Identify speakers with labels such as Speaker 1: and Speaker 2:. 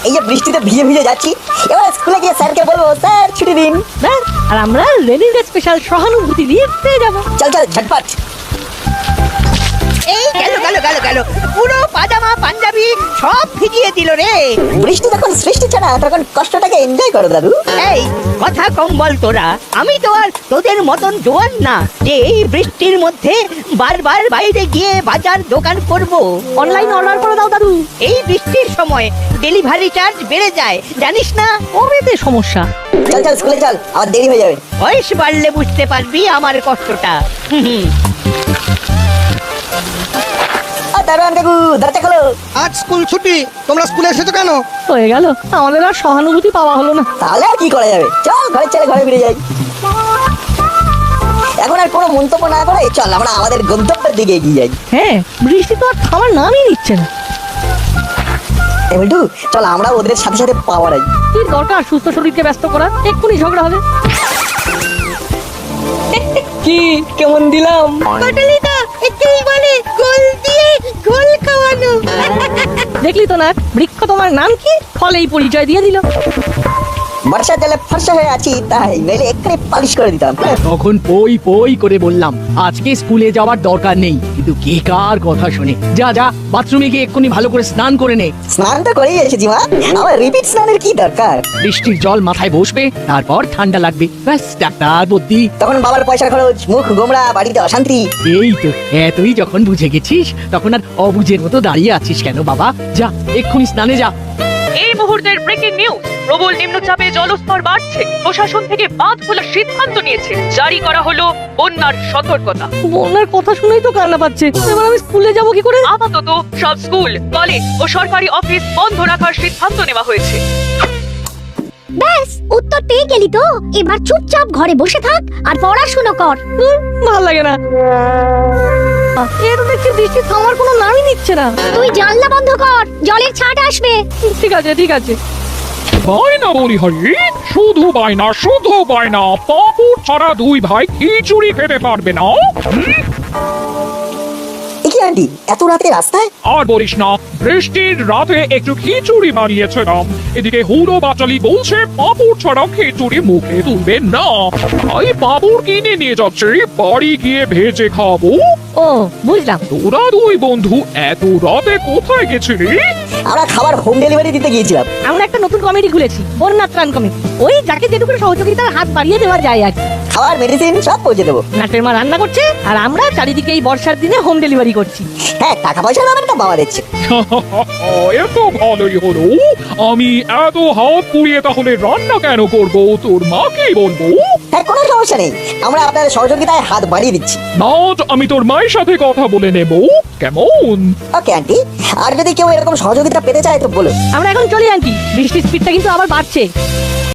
Speaker 1: এই যে বৃষ্টিতে ভিজে ভিজে যাচ্ছি, এবার স্কুলে গিয়ে স্যারকে বলবো স্যার ছুটি দিন।
Speaker 2: ব্যাস, আর আমরা রেনি ডে স্পেশাল সহানুভূতি দিয়ে পেয়ে যাবো।
Speaker 1: চল চল ঝটপট।
Speaker 3: এই গেল গেল গেল গেল, পুরো পাজামা পাঞ্জাবি সব ভিজিয়ে দিল রে।
Speaker 1: বৃষ্টি যখন সৃষ্টি ছাড়া তখন কষ্টটাকে এনজয় করো দাদু।
Speaker 3: এই কথা কম বল তোরা, আমি তো আর তোদের মতন জোয়ান না যে এই বৃষ্টির মধ্যে বারবার বাইরে গিয়ে বাজার দোকান করব।
Speaker 2: অনলাইন অর্ডার করে দাও দাদু।
Speaker 3: এই বৃষ্টির সময় ডেলিভারি চার্জ বেড়ে যায়, জানিস না?
Speaker 2: কবেতে সমস্যা?
Speaker 1: চল চল স্কুলে চল, আবার দেরি হয়ে যাবে।
Speaker 3: বয়স বাড়লে বুঝতে পারবি আমার কষ্টটা। হুম।
Speaker 1: দারোয়ান কাকু দরজা খোলো।
Speaker 4: আজ স্কুল ছুটি, তোমরা স্কুলে এসেছো কেন?
Speaker 2: হয়ে গেল, আমাদের আর সহানুভূতি পাওয়া হলো না।
Speaker 1: তাহলে আর কি করা যাবে, চল ঘরে চলে ঘরে ফিরে যাই। এখন আর কোনো মন্তব্য না করে চল আমরা আমাদের গন্তব্যের দিকে এগিয়ে যাই।
Speaker 2: হ্যাঁ, বৃষ্টি তো আর খাবার নামই নিচ্ছে না।
Speaker 1: বল্টু চল আমরা ওদের সাথে সাথে পাওয়ার আই।
Speaker 2: কি দরকার সুস্থ শরীরকে ব্যস্ত করা, এক্ষুনি ঝগড়া হবে। কি কেমন দিলাম?
Speaker 3: পটলিদা একেই বলে গোল দিয়ে গোল খাওয়ানো।
Speaker 2: দেখলি তো না, বৃক্ষ তোমার নাম কি, ফলেই পরিচয় দিয়ে দিল।
Speaker 1: বর্ষার জলে ফর্সা হয়ে আছি তাই, নইলে এক্ষুনি পালিশ করে দিতাম।
Speaker 5: তখন পই পই করে বললাম আজকে স্কুলে যাওয়ার দরকার নেই, কিন্তু কে কার কথা শুনে। যা যা বাথরুমে গিয়ে এক্ষুনি ভালো করে স্নান করে নে।
Speaker 1: স্নান তো করেই এসেছি মা, আমার রিপিট স্নানের কি দরকার?
Speaker 5: বৃষ্টির জল মাথায় বসবে, তারপর ঠান্ডা লাগবে, ব্যাস ডাক্তার বুদ্ধি।
Speaker 1: তখন বাবার পয়সার খরচ, মুখ গোমড়া, বাড়িতে অশান্তি।
Speaker 5: এই তো তুই যখন বুঝে গেছিস তখন আর অবুঝের মতো দাঁড়িয়ে আছিস কেন বাবা? যা এক্ষুনি স্নানে যা।
Speaker 6: এই মুহূর্তের ব্রেকিং নিউজ, প্রবল নিম্নচাপে জলস্তর বাড়ছে। প্রশাসন থেকে বাঁধ খোলার সিদ্ধান্ত নিয়েছে, জারি করা হলো বন্যার সতর্কতা।
Speaker 2: বন্যার কথা শুনেই তো কান্না পাচ্ছে। এবার আমি স্কুলে যাবো কি করে?
Speaker 6: আপাতত সব স্কুল, কলেজ ও সরকারি অফিস বন্ধ রাখার সিদ্ধান্ত নেওয়া হয়েছে।
Speaker 7: ব্যাস, উত্তর পেয়ে গেলি তো। এবার চুপচাপ ঘরে বসে থাক আর পড়াশোনা কর।
Speaker 2: ভাল লাগে না। এ তো দেখছি বৃষ্টি থামার কোনো নামই নিচ্ছে না।
Speaker 7: তুই জানলা বন্ধ কর, জলের ছাট আসবে।
Speaker 2: ঠিক আছে ঠিক আছে।
Speaker 8: বায়না বলি হরি, শুধু বায়না শুধু বায়না, পাপুর ছাড়া দুই ভাই খিচুড়ি খেতে পারবে না।
Speaker 1: কি আন্টি এত রাতে রাস্তায়?
Speaker 8: আর বলিস না, বৃষ্টির রাতে একটু খিচুড়ি বানিয়েছিলাম, এদিকে হুড়ো বাচালি বলছে পাপুর ছাড়া খিচুড়ি মুখে তুলবে না। তাই পাপুর কিনে নিয়ে যাচ্ছে, বাড়ি গিয়ে ভেজে খাবো।
Speaker 2: ও বুঝলাম।
Speaker 8: তোরা দুই বন্ধু এত রাতে কোথায় গেছিলি?
Speaker 1: আমরা খাবার হোম ডেলিভারি দিতে গিয়েছিলাম।
Speaker 2: আমরা একটা নতুন কমিটি খুলেছি, বন্যা ত্রাণ কমিটি। ওই যাকে যেটুকু সহযোগিতার হাত বাড়িয়ে দেওয়া যায় আর কি।
Speaker 1: খাবার মেডিসিন সব পৌঁছে দেবো।
Speaker 2: নাটের মা রান্না করছে আর আমরা চারিদিকে এই বর্ষার দিনে হোম ডেলিভারি করছি।
Speaker 1: হ্যাঁ, টাকা পয়সা ব্যাপারটা বাবা দিচ্ছে।
Speaker 8: এত ভালোই হলো। আমি এত হাত পুড়িয়ে তাহলে রান্না কেন করব? তোর মাকেই বলবো।
Speaker 1: হ্যাঁ, কোনো সমস্যা নেই, আমরা আপনাদের সহযোগিতায় হাত বাড়িয়ে দিচ্ছি।
Speaker 8: নাট, আমি তোর মায়ের সাথে কথা বলে নেব, কেমন?
Speaker 1: ওকে আন্টি, আর যদি কেউ এরকম সহযোগিতা পেতে চায় তো বলো।
Speaker 2: আমরা এখন চলি আন্টি, বৃষ্টির স্পিডটা কিন্তু আবার বাড়ছে।